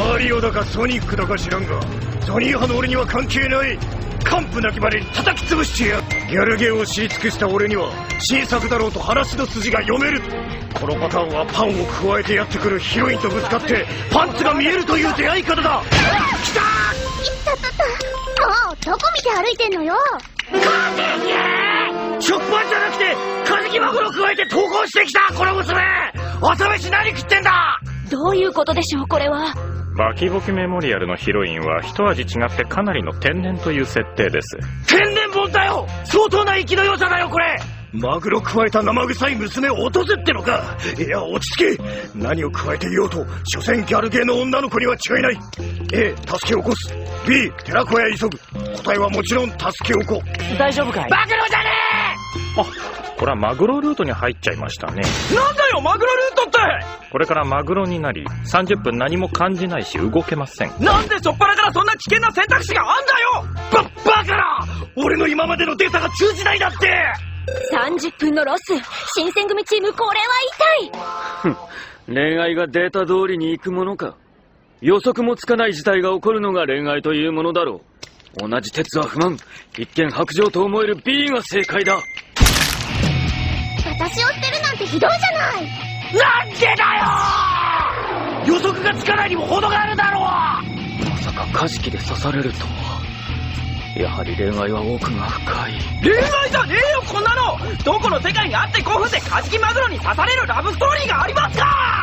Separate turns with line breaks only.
マリオだかソニックだか知らんが、ソニー派の俺には関係ない。完膚なきまでに叩き潰してやる。ギャルゲーを知り尽くした俺には新作だろうと話の筋が読める。このパターンはパンを加えてやってくるヒロインとぶつかってパンツが見えるという出会い方だ。きたー。い
ったったった。もうどこ見て歩いてんのよ。
食パンじゃなくてカジキマグロ加えて投稿してきたこの娘。朝飯何食ってんだ。
どういうことでしょうこれは。
バキボキメモリアルのヒロインは一味違ってかなりの天然という設定です。
天然もんだよ。相当な生きの良さだよこれ。マグロ加えた生臭い娘を落とせってのか。いや落ち着け。何を加えていようと所詮ギャルゲーの女の子には違いない。 A 助け起こす、 B 寺子屋急ぐ。答えはもちろん助け起こ。
大丈夫かい。
マグロじゃね
あ、これはマグロルートに入っちゃいましたね。
なんだよマグロルートって。
これからマグロになり30分何も感じないし動けません。
なんでしょっぱなからそんな危険な選択肢があんだよ。
バカな。俺の今までのデータが通じないだって。
30分のロス。新選組チームこれは痛い。
恋愛がデータ通りに行くものか。予測もつかない事態が起こるのが恋愛というものだろう。同じ鉄は不満。一見白状と思える B が正解だ。
私を捨てるなんてひどいじゃない。
なんでだよ。予測がつかないにも程があるだろう。
まさかカジキで刺されるとは。やはり恋愛は奥が深い。
恋愛じゃねえよこんなの。どこの世界にあって5分でカジキマグロに刺されるラブストーリーがありますか。